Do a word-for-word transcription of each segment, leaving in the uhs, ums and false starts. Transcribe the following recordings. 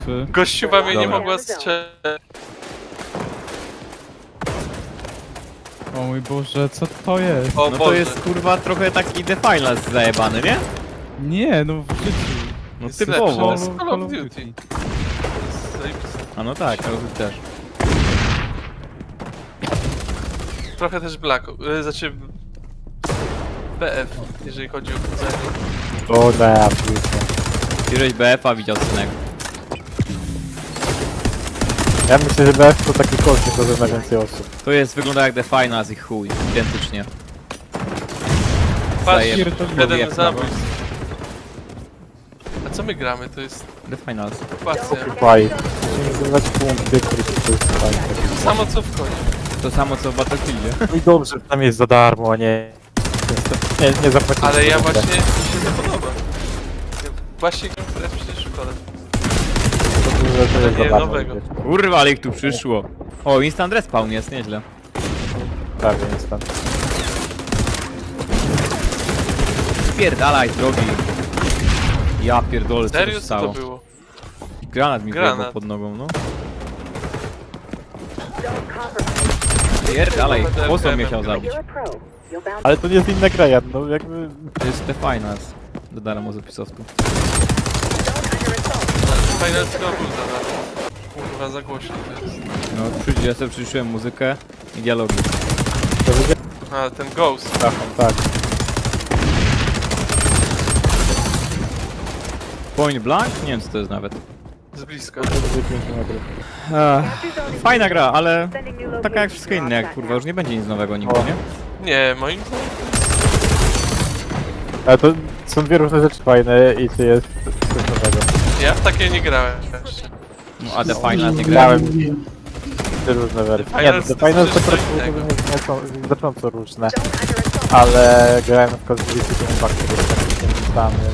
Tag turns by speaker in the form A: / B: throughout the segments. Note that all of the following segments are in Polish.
A: Gościuwa mnie nie
B: Dobra.
A: mogła strzelić.
C: O mój Boże, co to jest?
A: O
B: No to
A: Boże.
B: jest kurwa trochę taki Defilas zajebany, nie?
C: Nie, no w życiu.
B: No
A: Jest
B: typowo.
A: lepszy,
C: Call,
A: jest
C: of-
A: Call
C: Call
A: of
C: of
A: Duty.
C: Duty.
A: Zajebiste.
B: A no tak, ale też.
A: Trochę też Black, y, znaczy B F, jeżeli chodzi o chodzenie.
D: O da, piłkę.
B: Ty żeś B F a widział synek.
D: Ja myślę, że B F to taki koszt, tylko że na więcej osób.
B: To jest, wygląda jak Defilas i chuj, identycznie.
A: Patrz,
B: Zajeb-
A: jeden
B: zajeb-
A: zabójstw. A co my gramy? To jest
B: Defilas.
A: okupacja.
D: Faj. Musimy zdobywać punkty, które to jest fajne.
A: To samo co w konie.
B: To samo co w Battlefieldzie.
D: No i dobrze, tam jest za darmo, a nie... Nie, nie zapłacić.
A: Ale ja
D: za
A: właśnie,
D: grę.
A: mi się to podoba. Ja właśnie gram teraz przecież w kole.
D: To dużo, to jest
A: nie,
D: za darmo.
A: nowego.
D: wiesz.
B: Kurwa, ale ich tu przyszło. O, instant respawn jest, nieźle.
D: Prawie jest tam.
B: Spierdalaj, drogi. Ja pierdolę, co
A: Serio
B: się
A: co to
B: stało.
A: było?
B: Granat mi
A: Granat.
B: wyjebał pod nogą, no. Pierdalaj, po co mnie chciał zabić?
D: Ale to nie jest inna gra, ja, no jakby...
B: To jest Defilas. Dodałem mu z opisowku.
A: Final Score zadane. Kurwa, za głośno to jest.
B: No, przyjdzie, ja sobie przyciszyłem muzykę i dialogi.
D: To wygląda
A: A, ten Ghost.
D: tak, tak.
B: Point blank? Nie wiem co to jest nawet.
A: Z bliska.
D: To będzie piękny nagrywek.
B: Ech, fajna gra, ale taka jak wszystkie inne, jak kurwa, już nie będzie nic nowego nigdy,
D: O.
B: nie?
A: Nie, moim zdaniem.
D: Ale to są dwie różne rzeczy fajne i to jest coś nowego.
A: Ja w takie nie grałem jeszcze.
B: No, a The Final nie grałem.
D: Grałem trzy różne wersje.
A: The
D: Nie,
A: Finals
D: The
A: to
D: Finals
A: coś
D: to po prostu
A: innego.
D: nie są znacząco różne. Ale grałem na przykład z Wielkim Impact, który jest takim samym.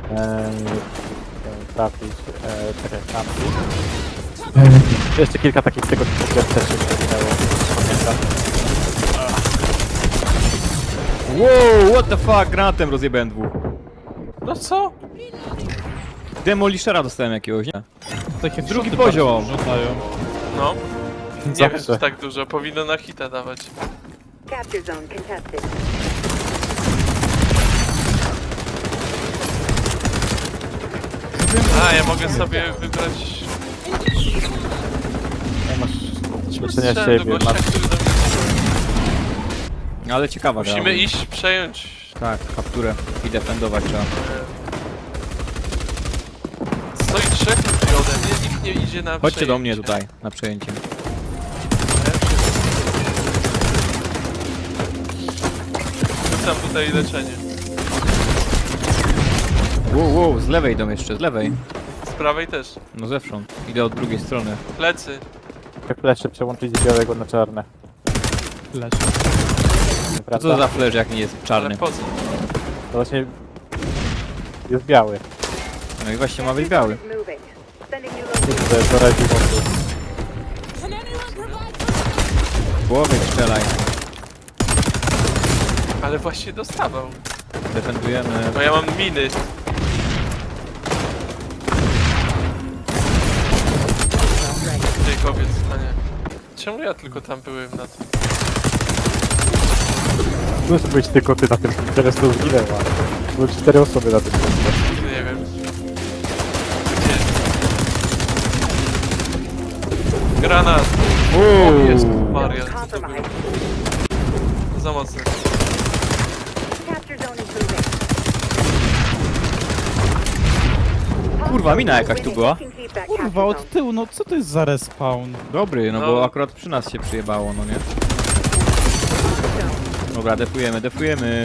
D: Trafić, e, tak jak trafić. Jeszcze kilka takich tego typu gier też się przewinęło. Pamiętam.
B: Wow, what the fuck, granatem rozjebałem dwóch.
A: No co?
B: Demolishera dostałem jakiegoś, nie?
C: Takie
B: Drugi
C: szoty
B: poziom.
C: bardzo Rzucają.
A: No. Nie wiem,
D: Zawsze.
A: czy tak dużo. Powinno na hita dawać.
E: Capture zone contested.
A: A, ja mogę sobie wybrać...
D: Nie masz leczenia
A: Strzelę do
D: siebie,
A: gościa,
D: masz...
A: który do mnie...
B: Ale ciekawa gra.
A: Musimy iść, przejąć...
B: Tak, kapturę i defendować trzeba.
A: Stoi trzech ludzi ode mnie, nikt nie idzie na
B: Chodźcie do mnie
A: przejęcie.
B: tutaj, na przejęcie.
A: Rzucam tutaj leczenie.
B: Wow, wow, z lewej idą jeszcze, z lewej.
A: Z prawej też.
B: No zewsząd. Idę od drugiej strony.
A: Plecy.
D: Jak flesze przełączyć z białego na czarne.
C: Lecz.
B: To
D: Prawda?
B: co za flash, jak nie jest
A: Ale
B: czarny?
A: po co?
D: To właśnie jest biały.
B: No i właśnie ma być biały.
E: Moving. Sending you location.
D: Kurde, to razi mocy.
B: W głowie strzelaj.
A: Ale właśnie dostawał.
B: Defendujemy.
A: Bo ja mam miny. Jacobiec, a nie. Czemu ja tylko tam byłem na tym?
D: Musi być tylko ty na tym, teraz to zginęła. Były cztery osoby na tym.
A: Nie wiem. Gdzie? Granat! O, jest Maria, co to było? Za mocne.
E: Capture zone improving.
B: Kurwa, mina jakaś tu była.
E: Keep that
C: Kurwa,
E: capture
C: od
E: zone.
C: tyłu, no co to jest za respawn?
B: Dobry, no,
A: No.
B: bo akurat przy nas się przyjebało, no nie? Dobra, defujemy, defujemy.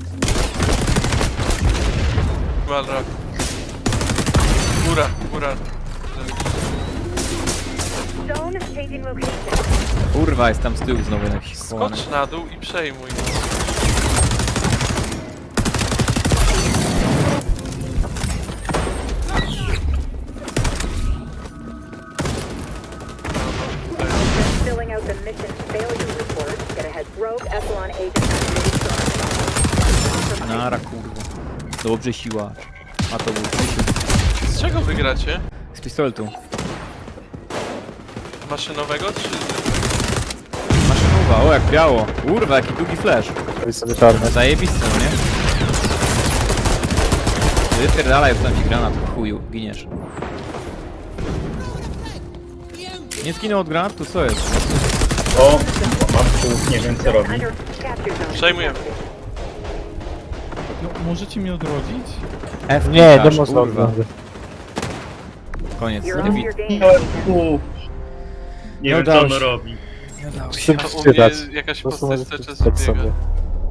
A: Malrak. Góra, góra.
E: Zone changing location.
B: Kurwa, jest tam z tyłu znowu jakiś schowany.
A: Skocz na dół i przejmuj.
E: Filling out the mission failure report. Get ahead. Rogue Echelon agent activated.
B: Nara, kurwa. Dobrze siła. A to był Krzysiu.
A: Z czego wygracie?
B: Z pistoletu.
A: Maszynowego czy...
B: Maszynowa, o jak biało. Kurwa, jaki długi flash.
D: Robi sobie czarny.
B: Zajebisty, no nie? Wypierdalaj, tam ci granat, chuju, giniesz. Nie zginął od granatu, co jest?
F: O, mam tu, nie wiem co robi.
E: Under capture zone.
A: Przejmujemy.
C: No, możecie mnie odrodzić?
B: F
D: Nie, nie
B: klikasz,
D: można
B: kurwa.
D: odwrócić.
B: Koniec.
E: You're
B: Nie,
E: off
B: wi-
E: your game.
F: Miałem tu. Nie
B: Nie
F: wiem co
B: udało
F: ono
B: się.
F: robi.
D: Chcę
A: A u mnie
D: czytać.
A: jakaś
D: Po prostu
A: postać
D: możesz
A: cały czas
D: przeczytać
A: biega.
D: sobie.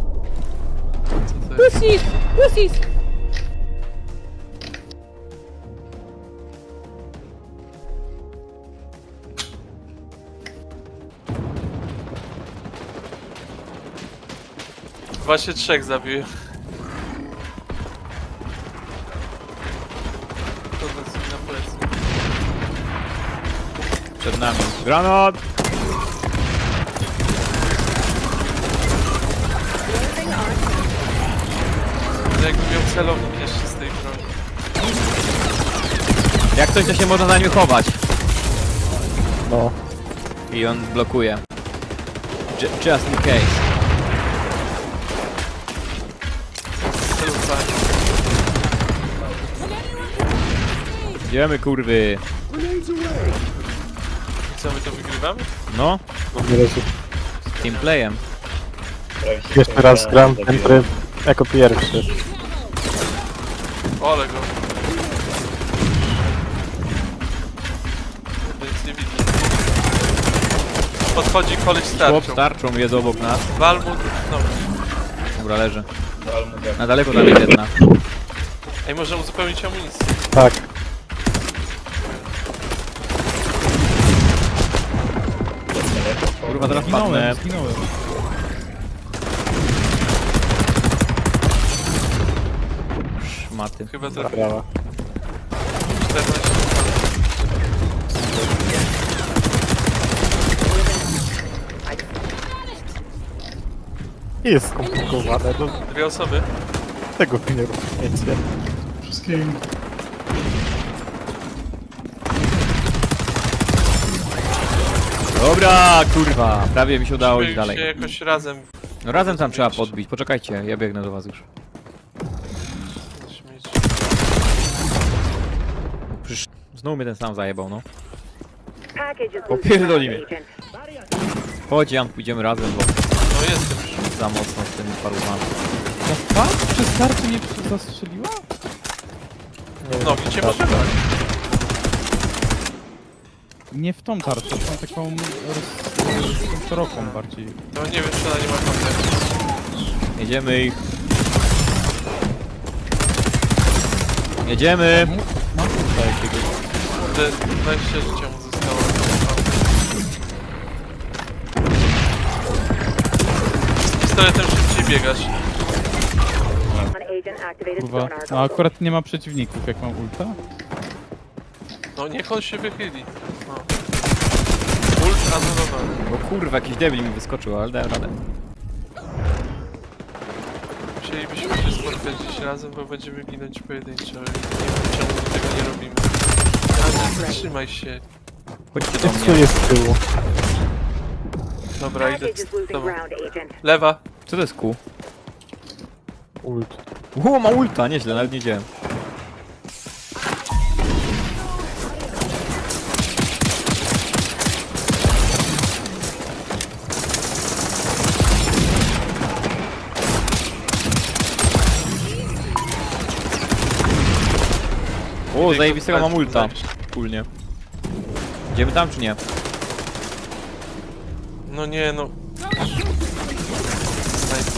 A: Co to jest? Właśnie trzech zabiłem. To dosyć na plecy.
B: Przed nami. Granat!
A: To jakbym miał celownik jeszcze z tej broni.
B: Jak coś, to się można za nim chować.
D: No.
B: I on blokuje. Ju- Just in case.
A: Celownik.
B: Idziemy, kurwy.
A: I co, my to wygrywamy?
B: No,
D: Nie razu.
B: z teamplayem.
F: Prawie się
D: Jeszcze raz
F: powiedziałem,
D: gram ten
F: zabiłem.
D: tryb jako pierwszy.
A: Ole go. Kurde, nic nie widzę. Podchodzi koleś z
B: Chłop
A: tarczą.
B: z tarczą jest obok nas.
A: Wal mu... No.
B: Dobra, leży.
F: Wal mu go.
B: Na daleko tam jest jedna.
A: Ej, może uzupełnić amunicję.
D: Tak.
B: Kurwa, teraz padnę.
C: Zginąłem, zginąłem.
B: Szmaty.
A: Chyba to
D: Brawa.
A: czternaście.
D: Jest skomplikowane, no
A: Dwie osoby.
D: tego wy nie rozumiecie.
F: Wszystkim.
B: Dobra, kurwa. Prawie mi się udało iść
A: Musimy
B: dalej.
A: się jakoś razem
B: No razem tam trzeba podbić. Poczekajcie, ja biegnę do was już.
A: śmieć.
B: Przecież znowu mnie ten sam zajebał, no.
E: Package is
B: Popierdoli mnie.
E: agent.
B: Chodź, Jan, pójdziemy razem, bo
A: No jestem już.
B: za mocno z tymi parumami.
C: Ta pas przez tarczę mnie przy- zastrzeliła?
A: No, gdzie może brać?
C: Nie w tą tarczę, w tą taką roz... szeroką bardziej.
A: No nie wiem, czy ona nie ma kontaktu.
B: Jedziemy ich. Jedziemy!
C: Mam tutaj jakiegoś...
A: Kurde, dwadzieścia życia mu zostało. Z pistoletem szybciej biegać.
E: An agent activated
C: Kurwa,
E: sonar.
C: no akurat nie ma przeciwników, jak mam ulta.
A: No niech on się wychyli. No. Ult anulowany.
B: O kurwa, jakiś debil mi wyskoczył, ale dałem radę.
A: Musielibyśmy się spotkać dziś razem, bo będziemy ginąć pojedynczo. Ale nie wiem, czemu my tego nie robimy. Ale zatrzymaj się.
B: Chodźcie do
D: Co
B: mnie.
D: jest z tyłu?
A: Dobra, idę
E: Package is
A: z
E: losing
A: tobą.
E: ground, agent.
A: Lewa.
B: Co to jest kół?
D: Ult.
B: Ło, ma ulta, nieźle, nawet nie wiedziałem. O, zajebistego mam ulta. Wspólnie. Idziemy tam czy nie?
A: No nie, no. Snajper.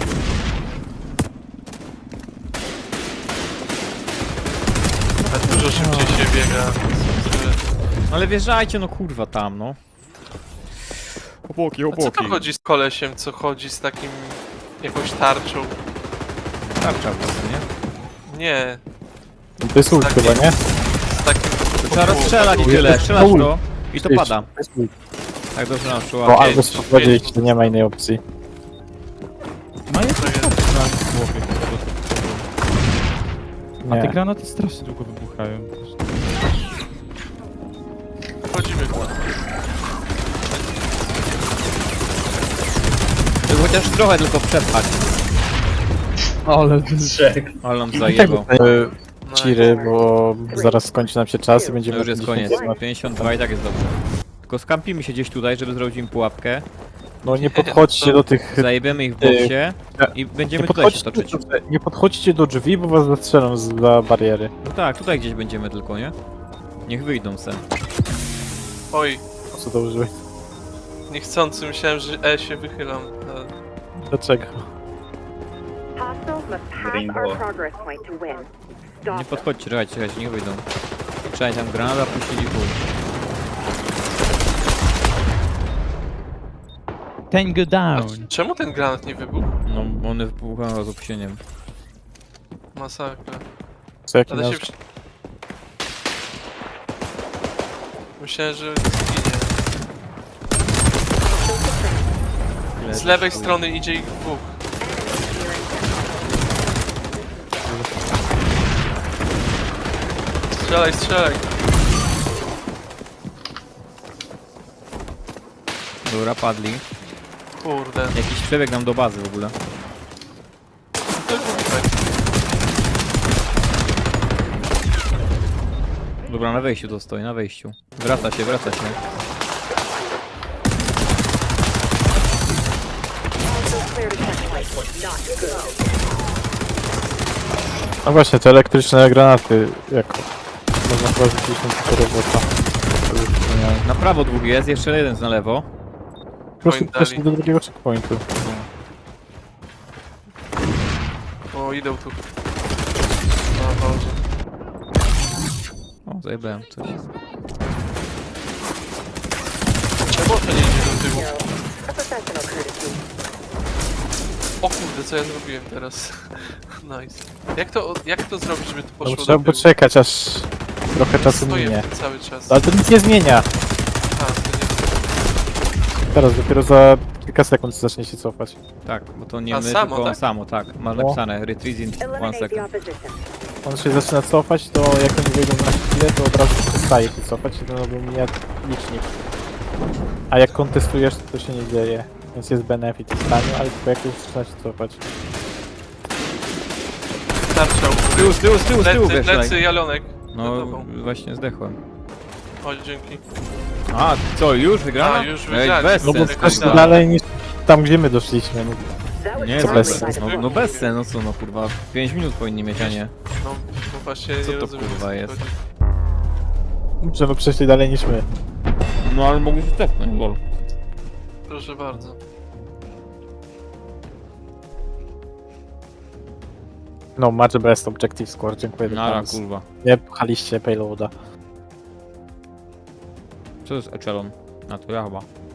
A: A dużo szybciej się biega.
B: No ale wjeżdżajcie, no kurwa tam, no. Obłoki,
A: A co
B: obłoki.
A: to chodzi z kolesiem, co chodzi z takim... jakąś tarczą?
B: Tarcza po prostu, nie?
A: Nie,
D: To jest ult
A: Taki-
D: chyba, nie?
A: z takim...
B: To trzeba rozstrzelać i tyle, strzelasz
D: ult.
B: to i to
D: Jest-
B: pada.
D: to jest ult.
B: Tak dobrze nam
D: Bo
B: szło.
D: albo
A: pięć,
D: spowiedzieć,
A: pięć.
D: że nie ma innej opcji.
C: Ma jakieś
A: jest.
C: tarcze na głowie. A te
D: Nie.
C: granaty strasznie długo wybuchają.
B: Chociaż trochę tylko przepchać.
C: Ale
F: Trzech.
B: Ale nam
D: Tak,
B: zajebał.
A: No
D: Ciry, bo zaraz skończy nam się czas i
B: To
D: będziemy...
B: już jest koniec.
D: pięćdziesiąt.
B: pięćdziesiąt dwa i tak jest dobrze. Tylko skampimy się gdzieś tutaj, żeby zrobić im pułapkę.
D: No nie podchodźcie do tych...
B: Zajebiemy ich w boksie i
D: Nie
B: będziemy tutaj się
D: podchodźcie,
B: toczyć.
D: do, nie podchodźcie do drzwi, bo was zastrzelą z za bariery.
B: No tak, tutaj gdzieś będziemy tylko, nie? Niech wyjdą se.
A: Oj,
D: Po co to użyłeś?
A: niechcący myślałem, że E się wychylam. ale-
D: Dlaczego?
E: Hostiles must pass
F: Rainbow.
E: our progress point to win.
B: Nie
E: Stop them.
B: podchodźcie, czekajcie, czekajcie, niech wyjdą. Trzeba tam granada puścili pół.
C: Tango
A: A
C: down.
A: c- czemu ten granat nie wybuchł?
B: No, bo one wybuchają z opóźnieniem.
A: Masakra.
D: Co jaki
A: Ale
D: nasz...
A: się... przy- Myślałem, że zginie. Z lewej strony idzie ich dwóch. Strzelaj, strzelaj.
B: Dobra, padli.
A: Kurde.
B: Jakiś przebieg nam do bazy w ogóle.
A: To jest tutaj.
B: Dobra, na wejściu to stoi, na wejściu. Wraca się, wraca się.
E: Clear to checkpoint. Not good.
D: No właśnie, te elektryczne granaty, jako... Można chyba rzucić na tylko robota. To już wspomniałem.
B: Na prawo dwóch jest, jeszcze jeden na lewo.
D: Po prostu
A: Point
D: przeszli
A: dali.
D: do drugiego checkpointu.
A: O, idą tu. O Boże.
B: O, zajebałem coś.
A: Czemu to nie idzie do tyłu?
E: A professional courtesy.
A: O kurde, co ja zrobiłem teraz? Nice. Jak to, jak to zrobić, żeby to
D: No,
A: poszło
D: trzeba
A: do tyłu?
D: poczekać, aż trochę czasu
A: Stoję
D: minie.
A: w tym cały czas.
D: Ale to nic nie zmienia.
A: A, to nie...
D: Teraz dopiero za kilka sekund zacznie się cofać.
B: Tak, bo to nie
A: A,
B: my,
A: samo,
B: tylko
A: tak?
B: samo, tak. Masz
D: No.
B: napisane, retreat in one
E: Eliminate the
B: second.
E: opposition.
D: On się zaczyna cofać, to jak oni wejdą na chwilę, to od razu przestaje się cofać i to robią mija licznik. A jak kontestujesz, to, to się nie dzieje. Więc jest benefit w stanie, ale tylko jak już zaczyna się cofać.
A: Tarcza u
B: Z
A: góry.
B: tyłu, z tyłu, z tyłu, z tyłu,
A: Lecy,
B: wiesz,
A: lecy,
B: tak.
A: Jalonek.
B: No,
A: Za tobą.
B: właśnie zdechłem.
A: O, dzięki.
B: A, co, już wygrana?
A: A, już
B: Ej,
A: wygrali.
B: bez
D: No bo
B: sensu.
A: Jakaś
D: też
A: tam-
D: dalej niż tam, gdzie my doszliśmy. No,
E: That was
B: Nie,
D: Co
B: to
E: friendly
B: bez
D: bez
E: by the
B: sensu. No, no bez sensu, no co, no kurwa. pięć minut powinni mieć, a nie.
A: No, no właśnie
B: Co
A: nie
B: to,
A: rozumiem.
B: kurwa,
A: o co
B: jest?
A: chodzi.
D: że my przeszli dalej niż my.
B: No ale mogli się tepnąć, lol.
A: Proszę bardzo.
D: No, match best objective score, dziękuję.
B: Nara,
D: dobranoc.
B: kurwa.
D: Nie pchaliście payloada.
B: Co to jest Echelon? A to ja chyba.